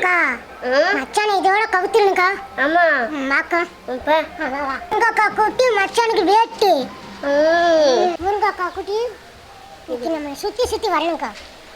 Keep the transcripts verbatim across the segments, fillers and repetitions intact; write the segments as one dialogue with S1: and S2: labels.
S1: அக்கா மச்சான் இதோட கவுத்துருங்கக்கா. ஆமா மாக்கா முருங்கக்கா குட்டி மச்சானுக்கு வேட்டு. முருங்கக்கா குட்டி இது நம்ம சுத்தி சுத்தி வரணும்க்கா.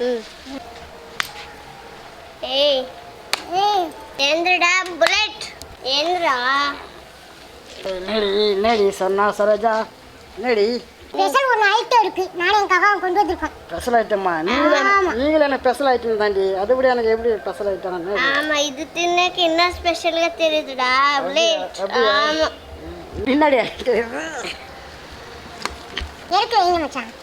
S2: ஏய் ஏய் ஏந்திரடா புல்லட் ஏந்திரா.
S3: என்னடி என்னடி சொன்னா சரோஜா என்னடி
S1: ஸ்பெஷல் ஒரு ஐட்டம் இருக்கு, நானே என் கவாவை கொண்டு வந்திருக்கோம்.
S3: ஸ்பெஷல் ஐட்டமா? நீங்களே நீங்களே என்ன ஸ்பெஷல் ஐட்டம் தாண்டி, அதுபடி எனக்கு எப்படி ஸ்பெஷல் ஐட்டம்?
S2: ஆமா இது தின்னக்கு என்ன ஸ்பெஷலா தெரியுதுடா புல்லட். ஆமா
S3: என்னடி
S1: இருக்கு வைங்க மச்சான்.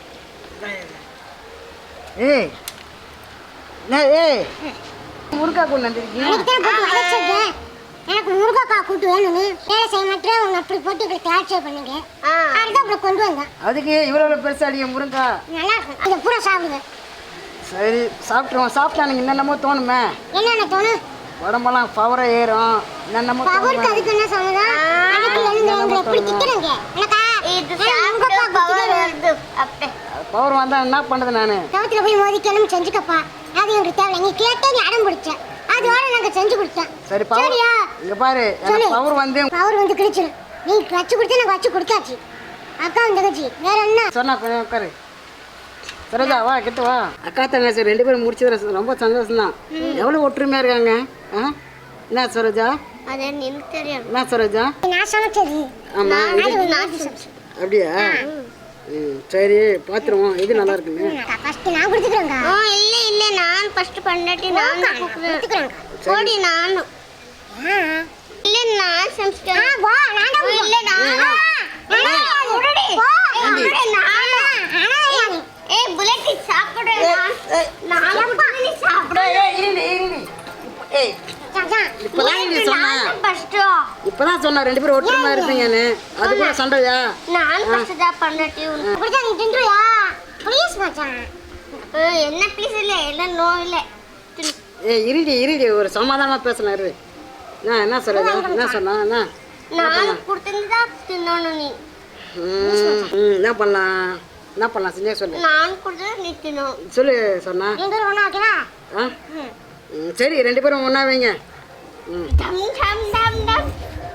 S3: ஏய் நான் ஏய் முருங்கா கொண்டு வந்திருக்கீங்க.
S1: எனக்கு தான் போட்டு வளைச்சிருக்கேன். எனக்கு முருங்கக்கா கூட்டு வேணும்னு வேலை செய்ய மாட்டேன். உங்க அப்படி போட்டு இப்படி தயாரிச்சு பண்ணுங்க. அதுதான் இப்படி கொண்டு வந்தேன்.
S3: அதுக்கு இவ்வளோ பெருசா அடிக்க முருங்கா
S1: நல்லா இருக்கும். இதை பூரா சாப்பிடுங்க.
S3: சரி சாப்பிட்ருவோம். சாப்பிட்டா எனக்கு என்னென்னமோ தோணுமே.
S1: என்னென்ன தோணும்?
S3: உடம்பெல்லாம் பவராக ஏறும். என்னென்னமோ
S1: பவருக்கு அதுக்கு என்ன சம்மதம்? அதுக்கு எழுந்து எப்படி திட்டுறீங்க? எனக்கா
S2: இது சாப்பிட்டா பவர் வருது. அப்படியே
S3: பவர் வந்தால் என்ன பண்ணுறது? நான்
S1: தவத்தில் போய் மோதி கிளம்பி செஞ்சுக்கப்பா. அது எங்களுக்கு தேவை. நீ கேட்டே நீ அடம் பிடிச்சேன், அதோட நாங்கள் செஞ்சு கொடுத்தேன்.
S3: சரி பவர் இங்கே பாரு. பவர் வந்து
S1: பவர் வந்து கிழிச்சிடும். நீ வச்சு கொடுத்தா நாங்கள் வச்சு கொடுத்தாச்சு. அக்கா தங்கச்சி வேற என்ன
S3: சொன்னா கொஞ்சம் உட்காரு. சரோஜா வா கிட்ட வா. அக்கா தங்கச்சி ரெண்டு பேரும் முடிச்சது ரொம்ப சந்தோஷம் தான். எவ்வளோ ஒற்றுமையாக இருக்காங்க. ஆ என்ன சரோஜா?
S2: அது எனக்கு தெரியும்.
S3: என்ன சரோஜா?
S1: நான் சமைச்சது.
S3: ஆமாம் அப்படியா? ம் சரி பார்த்துருவோம். இது நல்லா இருக்குங்க.
S1: ஃபர்ஸ்ட் நான் கொடுத்துக்கிறேங்க.
S2: ஓ இல்ல இல்ல நான் ஃபர்ஸ்ட் பண்ணாட்டி நான் கொடுத்துக்கிறேன். ஓடி நான் இல்ல நான் சமைச்சேன்.
S1: ஆ வா நான்
S2: இல்ல நான் ஓடி ஓடி நான் ஏய் புல்லட் சாப்பிடு. நான் நான் நீ சாப்பிடு.
S3: ஏய் இருடி இருடி. ஏய் இப்பதான் நீ சொன்னா இப்பதான் சொன்னா ரெண்டு பேரும் ஒற்றுமையா இருப்பீங்கன்னு. அது கூட சண்டையா?
S2: நான் ஃபர்ஸ்ட் தான் பண்ணாட்டி
S1: அப்படியே நீ தின்றியா? ப்ளீஸ் மச்சான்.
S2: என்ன ப்ளீஸ் இல்ல இல்ல நோ இல்ல.
S3: ஏய் இருடி இருடி ஒரு சமாதானமா பேசலாம் இரு. நான் என்ன சொல்றது? என்ன சொன்னா? என்ன
S2: நான் கொடுத்தா தின்னணும் நீ.
S3: ம் என்ன பண்ணலாம்? என்ன பண்ணலாம் செஞ்சே சொல்லு.
S2: நான் கொடுத்தா நீ தின்னணும்
S3: சொல்லு சொன்னா.
S1: ரெண்டு பேரும் ஒண்ணா வைக்கவா?
S3: ஆ ம் சரி ரெண்டு பேரும் ஒண்ணா வைங்க. ம்
S2: டம் டம் டம் டம்.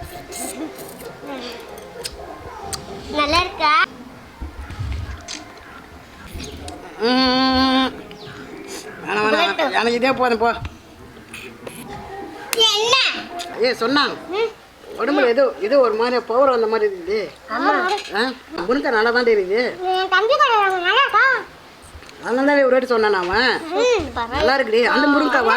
S2: நல்லா இருக்கா?
S3: ம் எனக்கு இதே போதும் போ.
S2: என்ன
S3: ஏய் சொன்னா உடம்புல ஏதோ ஏதோ ஒரு மாதிரி பவர் வந்த மாதிரி இருக்குது. ஆ முருங்கை நல்லா தான் இருக்குது.
S1: தம்பி கடை நல்லா இருக்கா?
S3: அதனால தான் ஒரு வாட்டி சொன்னான் அவன். நல்லா இருக்குடி. அந்த முருங்காவா?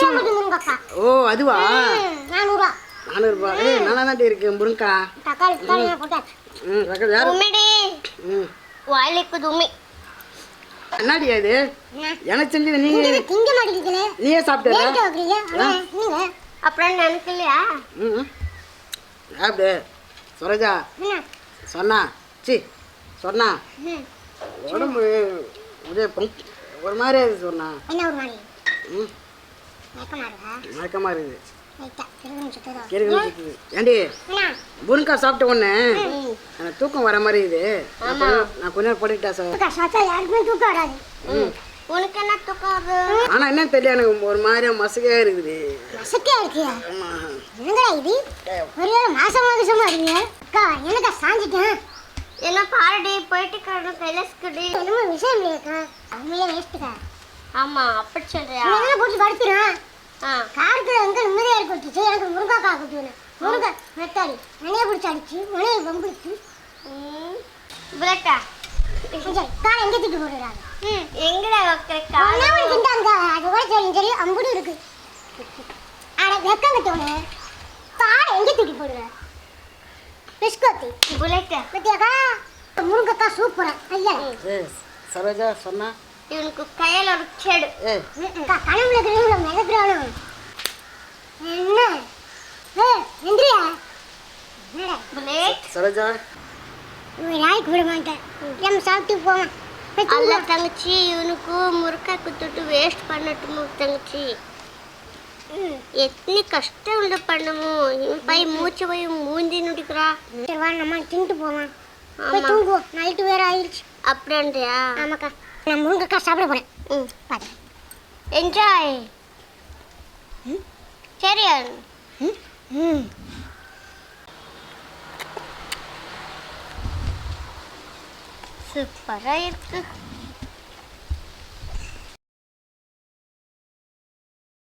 S3: ஓ அதுவா?
S1: நானூறுவா.
S3: நானூறுபா. ஏய் நல்லா தான் இருக்கு முருங்கா.
S1: தக்காளி தக்காளி போட்டாச்சு.
S3: ம் தக்காளி யாரு?
S2: உம்மிடி
S3: ம்
S2: வாயிலுக்கு தும்மி.
S3: என்னடி அது? எனக்கு செஞ்சது நீங்க
S1: திங்க மாட்டீங்களே.
S3: நீயே சாப்பிட்டா?
S1: லேட் ஆகுறீங்க. நீங்க
S2: அப்புறம் நினைக்கலையா?
S3: ம் சாப்பிடு சரோஜா.
S1: என்ன
S3: சொன்னா சி சொன்னா உடம்பு அப்படியே ஒரு மாதிரி இருக்குது சொன்னா.
S1: என்ன ஒரு மாதிரி?
S3: ம்
S1: மயக்கமா இருக்கா?
S3: மயக்கமாக இருக்குது.
S1: லைட்டா கிறுகுன்னு சுத்துதா?
S3: கிறுகுன்னு சுத்துது. ஏண்டி முருங்கா சாப்பிட்ட உடனே எனக்கு தூக்கம் வர மாதிரி இது. நான் கொஞ்ச நேரம் படுக்கிட்டா சார்.
S1: சாப்பிட்டா யாருக்குமே தூக்கம் வராது.
S2: உனக்கு என்ன தூக்கம் வருது?
S3: ஆனால் என்ன தெரியல எனக்கு ஒரு மாதிரியா மசக்கையாக இருக்குது.
S1: மசக்கையா இருக்கியா? என்னங்கடா இது? ஒருவேளை மாசம் மாசமா இருக்கீங்க? அக்கா எனக்கா சாஞ்சிட்டேன்.
S2: என்ன பாருடி போயிட்டு கடை கைலாஸ்குடி.
S1: என்னமோ விஷயம் இல்லையாக்கா? உண்மையிலே வேஸ்ட்டுக்கா.
S2: ஆமா அப்படி சொல்றியா?
S1: என்ன போட்டு படுத்துறான்?
S2: ஆ
S1: காருக்கு எங்க நிம்மதியா இருக்கு. எனக்கு முருங்காக்கா குட்டி வேணும். முருங்கை மெத்தாடி மனையை பிடிச்சி அடிச்சு மனையை பம்பிடிச்சு.
S2: ம் புல்லட்டா
S1: காலை எங்கே தூக்கி போடுறாங்க?
S2: ம் எங்கடா வைக்கிற காலை?
S1: திண்டாங்க அது கூட தெரியும் சரி அம்புடு இருக்கு. அட வெக்கம் கட்டோன்னு காலை எங்கே தூக்கி போடுற? பிஸ்கோத்தி
S2: புல்லட்டா
S1: பத்தியாக்கா முருங்கக்கா சூப்பரா. ஐயா
S3: சரோஜா சொன்னா
S2: இவனுக்கு கையில் ஒரு செடு.
S1: கனவுல கிரகங்கள மிதக்குறானு என்ன? ஏ எந்திரியா
S2: புல்லட்.
S3: சரோஜா
S1: இவன் நாய்க்கு விட மாட்டேன். நம்ம சாப்பிட்டு போவோம்.
S2: அல்ல தங்கச்சி இவனுக்கு முருக்கா குத்துட்டு வேஸ்ட் பண்ணட்டுமோ தங்கச்சி? எத்தனை கஷ்டம் உள்ள பண்ணமோ இவன் பை மூச்சு போய் மூந்தி நுடிக்கிறா.
S1: சரி வா நம்ம தின்ட்டு போவோம். போய் தூங்குவோம். நைட்டு வேற ஆயிடுச்சு.
S2: அப்படின்றியா?
S1: ஆமாக்கா நான் முருங்கக்கா சாப்பிட போறேன்.
S2: ம்
S1: பாரு
S2: என்ஜாய். சரி
S1: ம்
S2: சூப்பராக இருக்கு